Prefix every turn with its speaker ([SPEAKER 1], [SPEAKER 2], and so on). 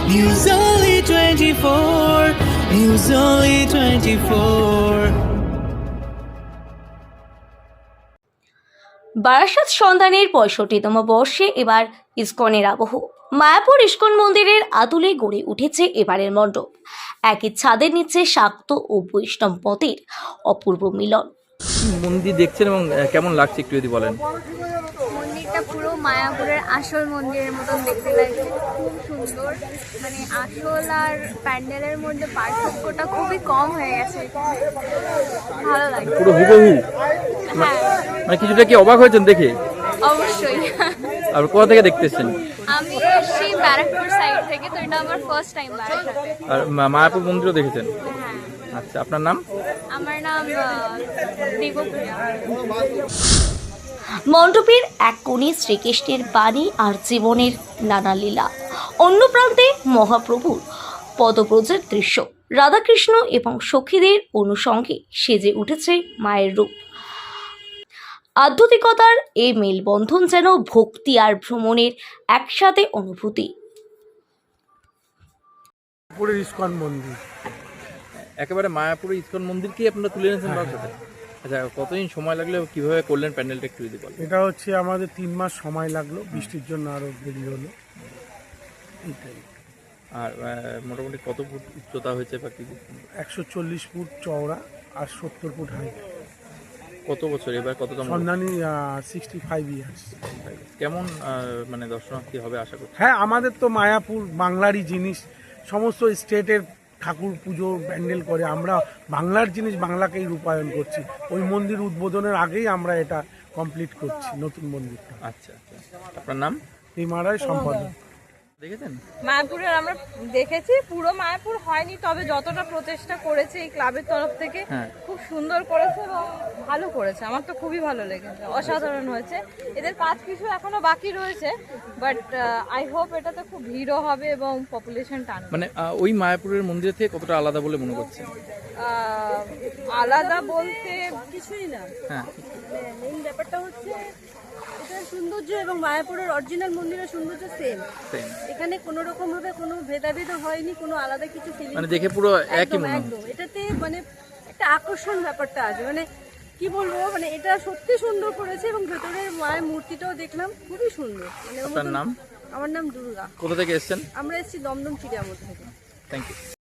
[SPEAKER 1] News Only 24. News Only 24.
[SPEAKER 2] Barasat সন্ধানের 65তম বর্ষে এবার ইসকনের আবহ। মায়াপুর ইসকন মন্দিরের আদলে গড়ে উঠেছে এবারের মণ্ডপ। একই ছাদের নিচে শাক্ত ও বৈষ্ণব মতের অপূর্ব মিলন।
[SPEAKER 3] মন্দির দেখছেন এবং কেমন লাগছে একটু যদি বলেন।
[SPEAKER 4] মন্দিরটা পুরো মায়াপুরের আসল মন্দিরের মতন দেখতে লাগছে, খুব সুন্দর। মানে আসল আর প্যান্ডেলের মধ্যে পার্থক্যটা খুবই কম হয়ে গেছে, ভালো লাগছে।
[SPEAKER 3] পুরো হুবহু,
[SPEAKER 4] হ্যাঁ
[SPEAKER 3] মানে কিছুটা কি অবাক হয়েছেন দেখে?
[SPEAKER 4] অবশ্যই।
[SPEAKER 3] আর কোথা থেকে দেখতেছেন?
[SPEAKER 4] আমি এসেছি ব্যারাকপুর সাইড থেকে, তো এটা আমার ফার্স্ট টাইম বারাসাতে।
[SPEAKER 3] আর মায়াপুর মন্দিরও দেখেছেন?
[SPEAKER 4] হ্যাঁ,
[SPEAKER 3] আচ্ছা, আপনার নাম?
[SPEAKER 4] আমার নাম দেবপ্রিয়া।
[SPEAKER 2] মণ্ডপের এক কোণে শ্রীকৃষ্ণের বাণী আর জীবনের নানা লীলা, অন্য প্রান্তে মহাপ্রভুর পদব্রজের দৃশ্য। রাধাকৃষ্ণ এবং সখীদের অনুষঙ্গে সেজে উঠেছে মায়ের রূপ। আধ্যাত্মিকতার এই মেলবন্ধন যেন ভক্তি আর ভ্রমণের একসাথে অনুভূতি।
[SPEAKER 5] মায়াপুরের ইসকন মন্দির,
[SPEAKER 3] একেবারে মায়াপুরের ইসকন মন্দিরকেই আপনারা তুলে এনেছেন বারাসাতে? আচ্ছা, কতদিন সময় লাগলে কিভাবে করলেন প্যান্ডেলটা একটু যদি বলেন।
[SPEAKER 5] এটা হচ্ছে আমাদের 3 মাস সময় লাগলো, বৃষ্টির জন্য আরো দেরি হলো। এইটাই।
[SPEAKER 3] আর মোটামুটি কত ফুট উচ্চতা হয়েছে বা কি?
[SPEAKER 5] 140 ফুট চওড়া আর 70 ফুট হাইট।
[SPEAKER 3] কত বছর এবার কততম?
[SPEAKER 5] সন্ধানী 65 ইয়ার্স।
[SPEAKER 3] কেমন মানে দর্শনার্থী হবে আশা করছি?
[SPEAKER 5] হ্যাঁ, আমাদের তো মায়াপুর বাংলারই জিনিস, সমস্ত স্টেটের ঠাকুর পুজো প্যান্ডেল করে, আমরা বাংলার জিনিস বাংলাকেই রূপায়ণ করছি। ওই মন্দির উদ্বোধনের আগেই আমরা এটা কমপ্লিট করছি, নতুন মন্দিরটা।
[SPEAKER 3] আচ্ছা আচ্ছা, আপনার নাম?
[SPEAKER 5] এই মারাই সম্পাদক।
[SPEAKER 3] দেখেছেন?
[SPEAKER 6] মায়াপুরের আমরা দেখেছি, পুরো মায়াপুর হয়নি, তবে যতটা প্রচেষ্টা করেছে এই ক্লাবের তরফ থেকে
[SPEAKER 3] হ্যাঁ।
[SPEAKER 6] খুব সুন্দর করেছে এবং ভালো করেছে। আমার তো খুবই ভালো লেগেছে, অসাধারণ হয়েছে। এদের কাজ কিছু এখনো বাকি রয়েছে, বাট আই হোপ এটাতে খুব ভিড়ও হবে এবং পপুলেশন টানবে।
[SPEAKER 3] মানে ওই মায়াপুরের মন্দির থেকে কতটা আলাদা বলে মনে করছেন?
[SPEAKER 6] আলাদা বলতে কিছুই না,
[SPEAKER 3] হ্যাঁ,
[SPEAKER 6] মেইন ব্যাপারটা হচ্ছে এটার সৌন্দর্য এবং মায়াপুরের অরিজিনাল মন্দিরের সৌন্দর্য সেম।
[SPEAKER 3] সেম।
[SPEAKER 6] এখানে কোনো রকম ভাবে কোনো ভেদাভেদ হয়নি, কোনো আলাদা কিছু ফিলিং,
[SPEAKER 3] মানে দেখে পুরো একই মনে হয়।
[SPEAKER 6] একদম এটাতে মানে একটা আকর্ষণ ব্যাপারটা আছে। মানে কি বলবো, মানে এটা সত্যি সুন্দর করেছে এবং ভেতরের মায়ের মূর্তিটাও দেখলাম, খুবই সুন্দর। মানে
[SPEAKER 3] আপনার নাম?
[SPEAKER 6] আমার নাম দুর্গা।
[SPEAKER 3] কোথা থেকে এসেছেন?
[SPEAKER 6] আমরা এসেছি দমদম চিড়িয়ামোড় থেকে।
[SPEAKER 3] Thank you.